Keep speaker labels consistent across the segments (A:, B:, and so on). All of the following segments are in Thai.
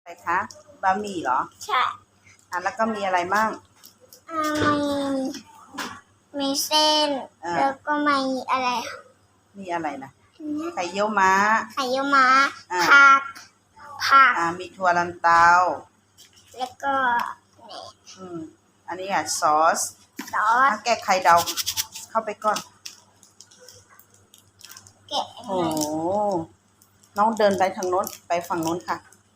A: อะไรคะบะหมี่เหรอ
B: ใช่
A: แล้วก็มีอะไรมั่ง
B: มีเส้นแล้วก็มีอะไร
A: มีอะไรนะไข่เยี่ยวม้า
B: ไข่เยี่ยวม้าผัก
A: มีถั่วลันเตา
B: แล้วก็นี่
A: อันนี้ซอสแกะไข่ดาวเข้าไปก่อน
B: แกะ
A: โอ้น้องเดินไปทางโน้นไปฝั่งโน้นค่ะ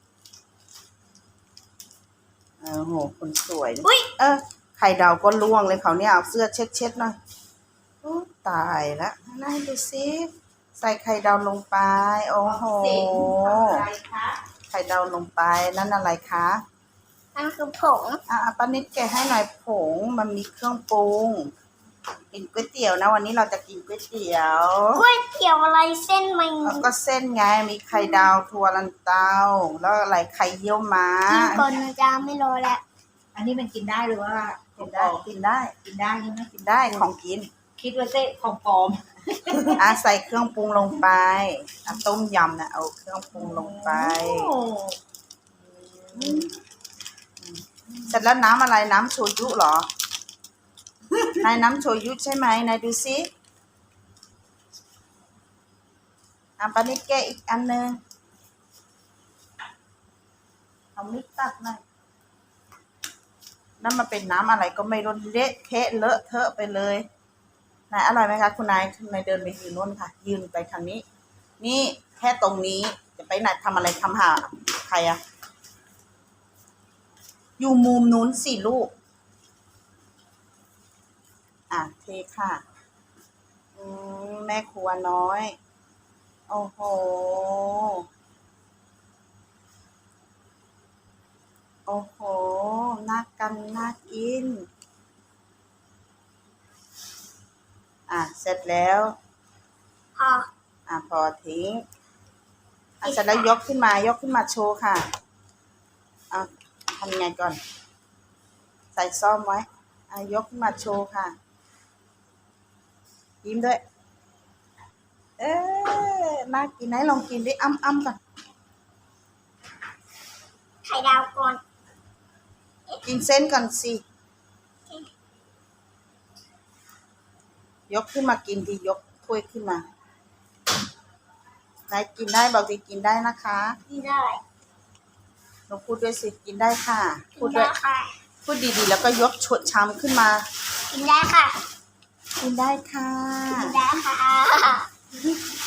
A: โหคนสวยไข่ดาวก็ล่วงเลยเขาเนี่ยเอาเสื้อเช็ดหน่อยตายแล้วน่าดูสิใส่ไข่ดาวลงไปโอ้โหไข่ดาวลงไปนั่นอะไรคะ
B: นั่นคือผง
A: ป้านิดแกะให้หน่อยผงมันมีเครื่องปรุงกินก๋วยเตี๋ยวนะวันนี้เราจะกินก๋วยเตี๋ยว
B: อะไรเส้นมัน
A: ก็เส้นไงมีไข่ดาวถั่วลันเตาแล้วอะไรไข่เยี่ยวม้า
B: กินก่อนนะจ๊ะไม่รอแล้ว
C: อันนี้มันกินได้หรือว่า
A: กินได้
C: กินได้ใช่ไหม
A: กินได้ของกิน
C: คิดว่าเส้นของปลอม
A: ใส่เครื่องปรุงลงไปต้มยำนะเอาเครื่องปรุงลงไปเสร็จแล้วน้ำอะไรน้ำโชยุเหรอนายน้ำโชยุใช่ไหมนายดูซิปานิดแกะอีกอันนึงเอามิกตักหน่อยนั่นมันเป็นน้ำอะไรก็ไม่รู้เละเทะเลอะเทอะไปเลยนายอร่อยไหมคะคุณนายเดินไปยืนโน่นค่ะยืนไปทางนี้นี่แค่ตรงนี้จะไปไหนทำอะไรทำหาใครอยู่มุมนู้นสิลูกเทค่ะแม่ครัวน้อยโอ้โหโอ้โหน่ากินเสร็จแล้วพอทิ้งเสร็จแล้วยกขึ้นมาโชว์ค่ะทำยังไงก่อนใส่ซ่อมไว้ยกขึ้นมาโชว์ค่ะยิ้มด้วยน่ากินไหนลองกินดิอ้ำก่อน
B: ไข่ดาวก่อน
A: กินเส้นก่อนสิยกขึ้นมากินดิยกถ้วยขึ้นมาไหนกินได้บอกดิกินได้นะคะ
B: กินได้
A: เราพูดด้วยสิกินได้ค่ะ
B: พูดด้วย
A: พูดดีๆแล้วก็ยกชามขึ้นมา
B: กินได้ค่ะ
A: กินได้ค่ะ
B: กินได้ค่ะ